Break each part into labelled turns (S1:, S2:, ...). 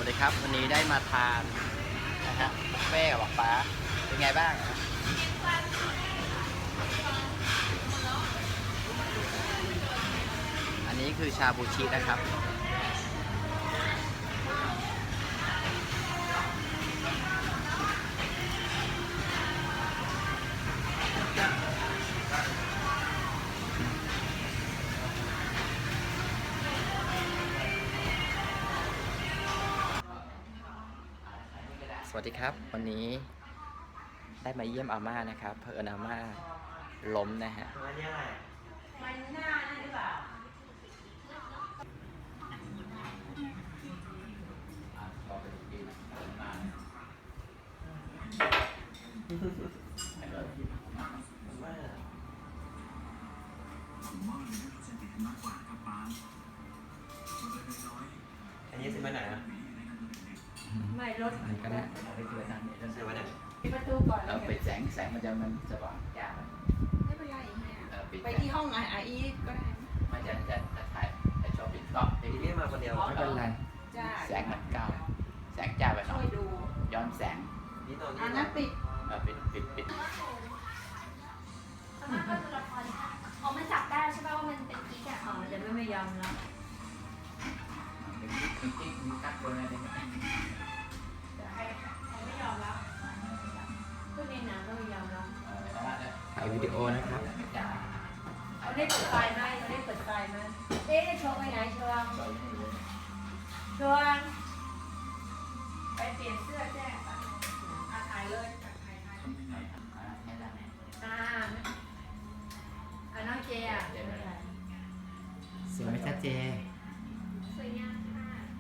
S1: วัสดีครับวันนี้ได้มาทานนะฮะบุฟเฟ่ต์กับบอกป้าเป็นไงบ้างอันนี้คือชาบูชินะครับสวัสดีครับวันนี้ได้มาเยี่ยมอาม่านะครับเผอิญอาม่าล้มนะฮะ
S2: มันหน้านั่นหรือเปล่า
S3: อันนี้ซื้อมาไหนอ่ะ
S2: ไม่รถ
S1: มันก็ได้เอาไปเจอทางนี้แล้ว
S3: ซื้อมาไหน
S2: ปิดประตูก่อน
S1: เราไปแสงมันจะสว่างยาก
S2: ไม่เป็นไรเนี่ย
S1: ปิด
S2: ไปที่ห้องไออีก็ได้
S1: มันจะถ่ายแต่ชอบปิดกล้อง
S3: ทีนี้มาคนเดียว
S1: ไม่เป็นไร
S2: จ้า
S1: แสงมันก้าวแสงจ้าไปหน่
S2: ช่
S1: อ
S2: วย ยดู
S1: ย้อนแสง
S3: นี่ตอน
S2: อั
S3: นี้
S2: นนั้นปิด
S1: ปิด
S4: สามารถก็ดูละครได้อ๋อมันจับได้ใช่ป่ะว่ามันเป็นกิ๊กอ่ะ
S2: อ๋อจะไม่ยอมแล้ว
S1: มีกัดตัวอะไรนี่
S2: ใครไม่ยอมแล้วก็ในหนังก็ไม่ยอมแล้ว
S1: ถ่ายวิดีโอนะครับ
S2: เขาได้เปิดไฟไหมเขาได้เปิดไฟไหมเอ๊ะโชว์ไปไหนโชว์โชว์ไปเปลี่ยนเสื้อแจ้งถ่ายเลยถ่ายน้องเจอ่ะ
S1: สวยไหมจ๊ะเจ
S4: สวยงามค่ะ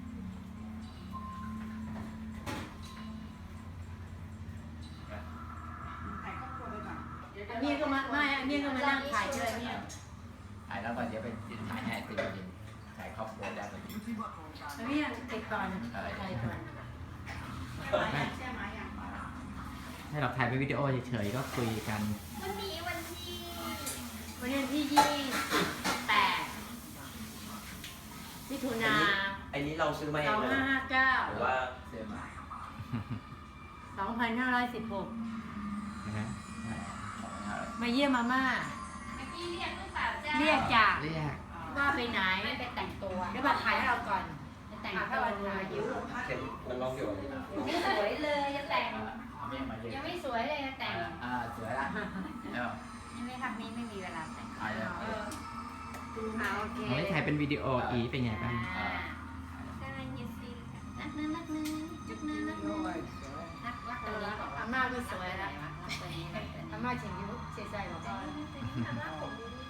S2: อันนี้ก็มาไม่อันนี้ก็มานั่งถ่ายเลยเนี่ย
S1: ถ่ายแล้วก่อนเดี๋ยวไปถ่ายให้ติดถ่ายครอบครัวได้เลย
S2: อันนี้ติดก่อนถ่ายก่อน
S5: ให้เราถ่ายเป็นวิดีโอเฉยๆก็คุยกัน
S4: วันนี้วันที่
S2: วันนี้ที่28มิถุนา
S3: อันนี้เราซื้อมาเองเลยหรือ
S2: 2559
S3: ว่า
S1: เสื้อมา
S2: 2516
S5: นะฮะ
S2: มาเยี่ยมมาม่า
S4: เมื่อกี้เรียกหรือเปล่าจ้า
S2: เรียกจาก
S5: เรียก
S2: ว่าไปไหน
S4: ไม่ไปแต่งตัว
S2: เดี๋ยวมาถ่ายให้เราก่อน
S4: จะแต่ง
S2: ถ่ายให้
S4: ตัว
S2: เรา
S4: เล
S2: ถ่าย
S4: ย
S2: ยิ้ว
S3: เข็มมันร้องอยู่
S4: ยังไม่สวยเลยจะแต่ง
S1: เอาเมียมาเย
S4: ยัง
S1: อะ
S4: ไม่สวยเลยจะแต่ง
S1: สวยละแล้ว
S4: ยังไม่ทำนี้ไม่มีเวลาแต่ง
S1: ถ่ายแล้ว
S2: โอเค
S5: เราได้ถ่ายเป็นวิดีโออีเป็นไงบ้าง
S4: ก็นั่งยืดซีรักเนื้อรักเนื้อจุกเนื้อรักเนื้อรักตัวนี้ก่อน
S2: อาม่าก็สวยแล้ว
S4: รักตัวนี้รักตัวนี้
S2: อาม่าเฉียงยิ้วเสียใจบอกว่า
S4: รักผมดี